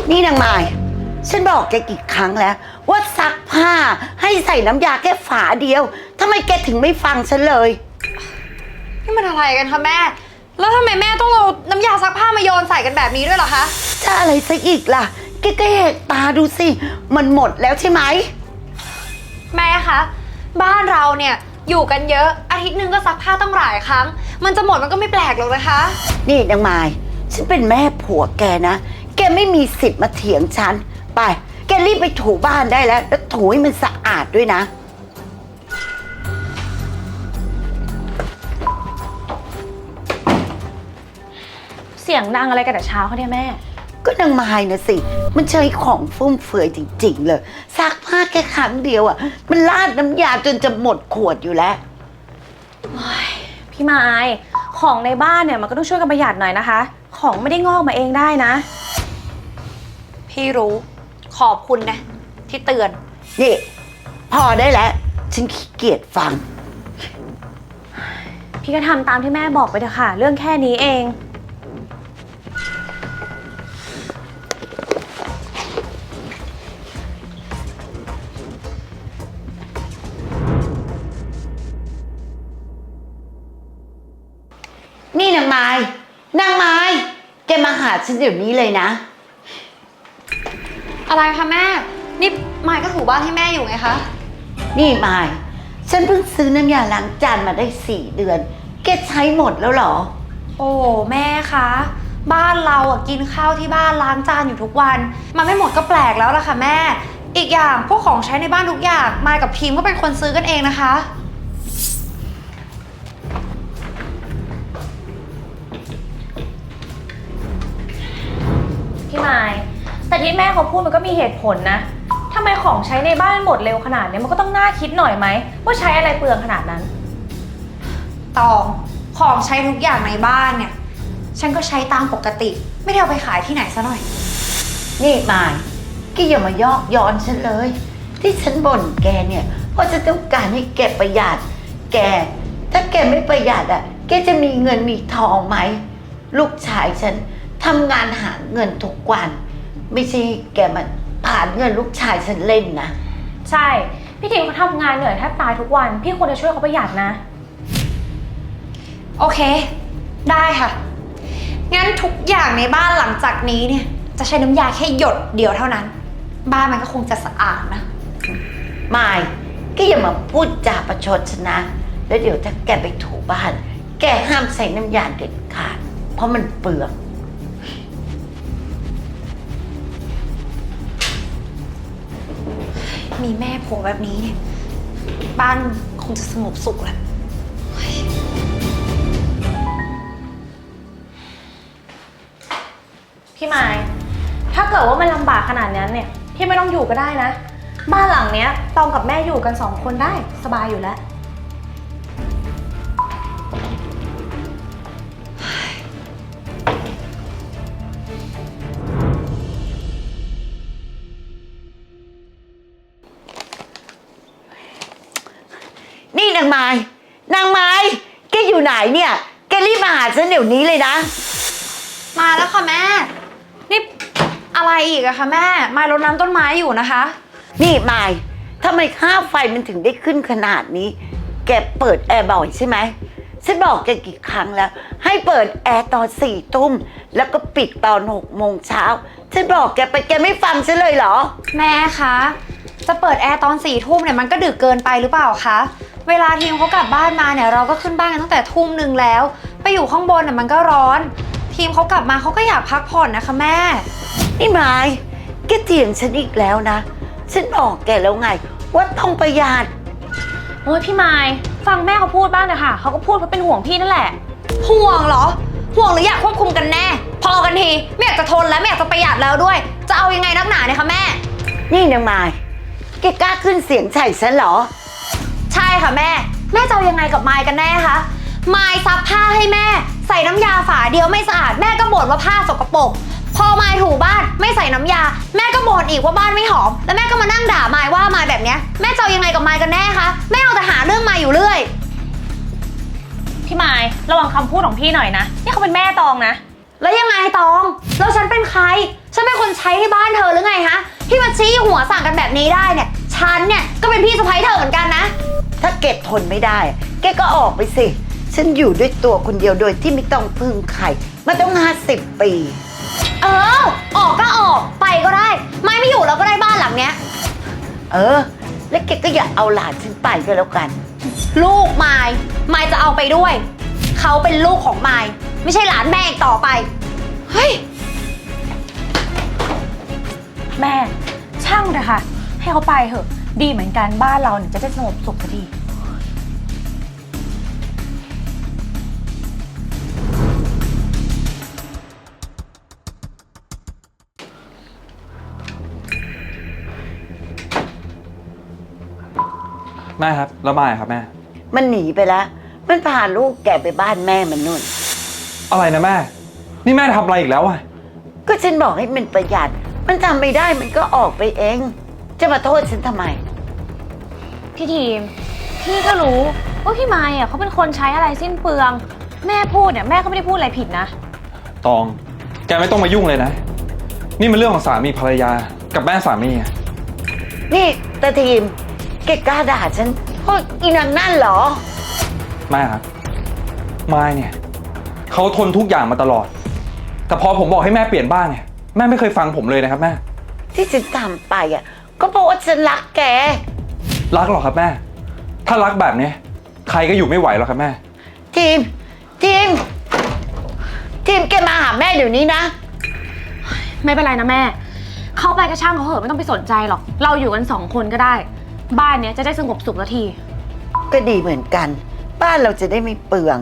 นี่นางไม้ฉันบอกแกกี่ครั้งแล้วว่าซักผ้าให้ใส่น้ำยาแค่ฝาเดียวทำไมแกถึงไม่ฟังฉันเลยนี่มันอะไรกันคะแม่แล้วทำไมแม่ต้องเอาน้ำยาซักผ้ามาโยนใส่กันแบบนี้ด้วยเหรอคะจะอะไรซะอีกล่ะแกก็เห็นตาดูสิมันหมดแล้วใช่ไหมแม่คะบ้านเราเนี่ยอยู่กันเยอะอาทิตย์นึงก็ซักผ้าต้องหลายครั้งมันจะหมดมันก็ไม่แปลกหรอกนะคะนี่นางไม้ฉันเป็นแม่ผัวแกนะแกไม่มีสิทธิ์มาเถียงฉันไปแกรีบไปถูบ้านได้แล้วถูให้มันสะอาดด้วยนะเสียงดังอะไรกันแต่เช้าเขาเนี่ยแม่ก็นางไม้นะสิมันใช้ของฟุ่มเฟือยจริงๆเลยซักผ้าแค่ครั้งเดียวอ่ะมันลาดน้ำยาจนจะหมดขวดอยู่แล้วพี่ไม้ของในบ้านเนี่ยมันก็ต้องช่วยกันประหยัดหน่อยนะคะของไม่ได้งอกมาเองได้นะพี่รู้ขอบคุณนะที่เตือนนี่พอได้แล้วฉันขี้เกียจฟังพี่ก็ทำตามที่แม่บอกไปเถอะค่ะเรื่องแค่นี้เองนี่นางไม้แกมาหาฉันเดี๋ยวนี้เลยนะอะไรคะแม่นี่มายก็ถูบ้านให้แม่อยู่ไงคะนี่ไม้ฉันเพิ่งซื้อน้ำยาล้างจานมาได้4 เดือนแกใช้หมดแล้วเหรอโอ้แม่คะบ้านเราอ่ะกินข้าวที่บ้านล้างจานอยู่ทุกวันมันไม่หมดก็แปลกแล้วล่ะค่ะแม่อีกอย่างพวกของใช้ในบ้านทุกอย่างมายกับพิมก็เป็นคนซื้อกันเองนะคะพี่ไม้แต่ที่แม่เขาพูดมันก็มีเหตุผลนะทำไมของใช้ในบ้านหมดเร็วขนาดนี้มันก็ต้องน่าคิดหน่อยไหมว่าใช้อะไรเปลืองขนาดนั้นตองของใช้ทุกอย่างในบ้านเนี่ยฉันก็ใช้ตามปกติไม่ได้เอาไปขายที่ไหนซะหน่อยนี่ไม้แกอย่ามายอกย้อนฉันเลยที่ฉันบ่นแกเนี่ยเพราะจะต้องการให้แกประหยัดแกถ้าแกไม่ประหยัดอ่ะแกจะมีเงินมีทองไหมลูกชายฉันทำงานหาเงินทุกวันไม่ใช่แกมาผ่านเงินลูกชายฉันเล่นนะใช่พี่ทิมเขาทำงานเหนื่อยแทบตายทุกวันพี่ควรจะช่วยเขาประหยัดนะโอเคได้ค่ะงั้นทุกอย่างในบ้านหลังจากนี้เนี่ยจะใช้น้ำยาแค่หยดเดียวเท่านั้นบ้านมันก็คงจะสะอาดนะไม่แกอย่ามาพูดจาประชดฉันนะแล้วเดี๋ยวถ้าแกไปถูบ้านแกห้ามใส่น้ำยาเด็ดขาดเพราะมันเปลืองมีแม่ผัวแบบนี้เนี่ยบ้านคงจะสงบสุขแหละพี่ไม้ถ้าเกิดว่ามันลำบากขนาดนั้นเนี่ยพี่ไม่ต้องอยู่ก็ได้นะบ้านหลังเนี้ยตองกับแม่อยู่กัน2 คนได้สบายอยู่แล้วนี่นางไม้แกอยู่ไหนเนี่ยแกรีบมาหาฉันเดี๋ยวนี้เลยนะมาแล้วค่ะแม่นี่อะไรอีกอะคะแม่มายรดน้ำต้นไม้อยู่นะคะนี่ไม้ทำไมค่าไฟมันถึงได้ขึ้นขนาดนี้แกเปิดแอร์บ่อยใช่ไหมฉันบอกแกกี่ครั้งแล้วให้เปิดแอร์ตอน4 ทุ่มแล้วก็ปิดตอน6 โมงเช้าฉันบอกแกไปแกไม่ฟังฉันเลยเหรอแม่คะจะเปิดแอร์ตอน4 ทุ่มเนี่ยมันก็ดึกเกินไปหรือเปล่าคะเวลาทีมเขากลับบ้านมาเนี่ยเราก็ขึ้นบ้านกันตั้งแต่ทุ่มนึงแล้วไปอยู่ข้างบนน่ะมันก็ร้อนทีมเขากลับมาเขาก็อยากพักผ่อนนะคะแม่นี่ไม้แกเถียงฉันอีกแล้วนะฉันบอกแกแล้วไงว่าต้องประหยัดโอ้ยพี่ไม้ฟังแม่เขาพูดบ้างนะคะเขาก็พูดเพราะเป็นห่วงพี่นั่นแหละห่วงเหรอห่วงหรืออยากควบคุมกันแน่พอกันทีไม่อยากจะทนแล้วไม่อยากจะประหยัดแล้วด้วยจะเอายังไงนักหนาเนี่ยคะแม่นี่นางไม้แกกล้าขึ้นเสียงใส่ฉันเหรอใช่ค่ะแม่จะเอายังไงกับไมค์กันแน่คะไมค์ซักผ้าให้แม่ใส่น้ำยาฝาเดียวไม่สะอาดแม่ก็บ่นว่าผ้าสกปรกพอไมค์ถูบ้านไม่ใส่น้ำยาแม่ก็บ่นอีกว่าบ้านไม่หอมแล้วแม่ก็มานั่งด่าไมค์ว่าไมค์แบบเนี้ยแม่จะเอายังไงกับไมค์กันแน่คะแม่เอาแต่หาเรื่องไมค์อยู่เรื่อยพี่ไมค์ระวังคำพูดของพี่หน่อยนะนี่เขาเป็นแม่ตองนะแล้วยังไงตองแล้วฉันเป็นใครฉันเป็นคนใช้ที่บ้านเธอหรือไงฮะที่มาชี้หัวสั่งกันแบบนี้ได้เนี่ยฉันเนี่ยก็เป็นพี่สะใภ้เธอเหมือนกันนะถ้าแกทนไม่ได้แกก็ออกไปสิฉันอยู่ด้วยตัวคนเดียวโดยที่ไม่ต้องพึ่งใครมาต้อง50 ปีเออออกก็ออกไปก็ได้ไม่อยู่แล้วก็ได้บ้านหลังเนี้ยแล้วแกก็อย่าเอาหลานฉันไปก็แล้วกันลูกไมายจะเอาไปด้วยเขาเป็นลูกของไมายไม่ใช่หลานแม่อีกต่อไปเฮ้ยแม่ช่างเถอะค่ะ ให้เขาไปเถอะดีเหมือนกันบ้านเราเนี่ยจะได้สงบสุขสักทีแม่ครับแล้วมายครับแม่มันหนีไปแล้วมันพาลูกแกไปบ้านแม่มันนู่นอะไรนะแม่นี่แม่ทำอะไรอีกแล้วอะก็ฉันบอกให้มันประหยัดมันทำไม่ได้มันก็ออกไปเอง จะมาโทษฉันทำไมพี่ทีมพี่ก็รู้ว่าพี่ไม้อะเขาเป็นคนใช้อะไรสิ้นเปลืองแม่พูดเนี่ยแม่ก็ไม่ได้พูดอะไรผิดนะตองแกไม่ต้องมายุ่งเลยนะนี่มันเรื่องของสามีภรรยากับแม่สามีอะนี่ตาทีมแกกล้าด่าฉันเพราะอีนางนั่นเหรอแม่ครับมายเนี่ยเขาทนทุกอย่างมาตลอดแต่พอผมบอกให้แม่เปลี่ยนบ้างเนี่ยแม่ไม่เคยฟังผมเลยนะครับแม่ที่ฉันทำไปก็เพราะว่าฉันรักแกรักหรอครับแม่ถ้ารักแบบนี้ใครก็อยู่ไม่ไหวหรอกครับแม่ทีมแกมาหาแม่เดี๋ยวนี้นะไม่เป็นไรนะแม่เขาไปก็ช่างเขาเหอะไม่ต้องไปสนใจหรอกเราอยู่กัน2 คนก็ได้ บ้านเนี้ยจะได้สงบสุขสักทีก็ดีเหมือนกัน บ้านเราจะได้ไม่เปลือง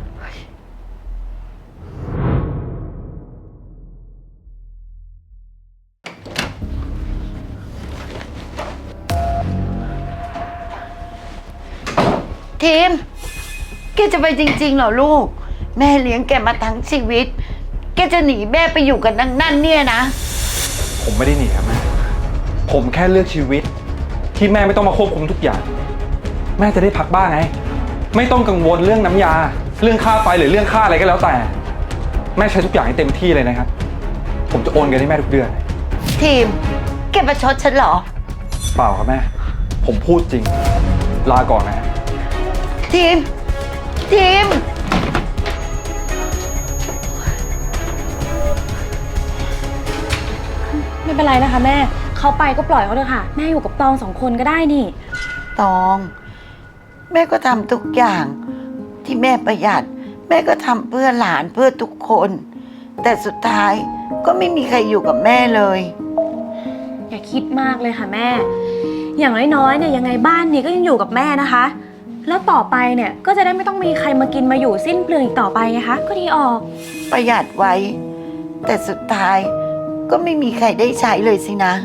ทีมแกจะไปจริงๆเหรอลูก แม่เลี้ยงแกมาทั้งชีวิต แกจะหนีแม่ไปอยู่กับนางนั่นเนี่ยนะผมไม่ได้หนีครับแม่ผมแค่เลือกชีวิตที่แม่ไม่ต้องมาควบคุมทุกอย่าง แม่จะได้พักบ้างไงไม่ต้องกังวลเรื่องน้ำยาเรื่องค่าไฟหรือเรื่องค่าอะไรก็แล้วแต่แม่ใช้ทุกอย่างให้เต็มที่เลยนะครับผมจะโอนเงินให้แม่ทุกเดือนทีมแกประชดฉันเหรอเปล่าครับแม่ผมพูดจริงลาก่อนนะทีมไม่เป็นไรนะคะแม่เขาไปก็ปล่อยเขาเถอะค่ะแม่อยู่กับตอง2 คนก็ได้นี่ตอง แม่ก็ทำทุกอย่างที่แม่ประหยัด แม่ก็ทำเพื่อหลานเพื่อทุกคน แต่สุดท้ายก็ไม่มีใครอยู่กับแม่เลยอย่าคิดมากเลยค่ะแม่ อย่างน้อยๆเนี่ยยังไงบ้านนี้ก็ยังอยู่กับแม่นะคะ แล้วต่อไปเนี่ยก็จะได้ไม่ต้องมีใครมากินมาอยู่สิ้นเปลืองอีกต่อไปไงคะก็ดีออกประหยัดไว้ แต่สุดท้ายก็ไม่มีใครได้ใช้เลยสินะ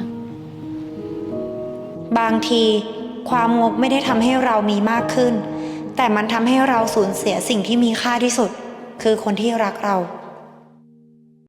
บางทีความงกไม่ได้ทำให้เรามีมากขึ้น แต่มันทำให้เราสูญเสียสิ่งที่มีค่าที่สุด คือคนที่รักเรา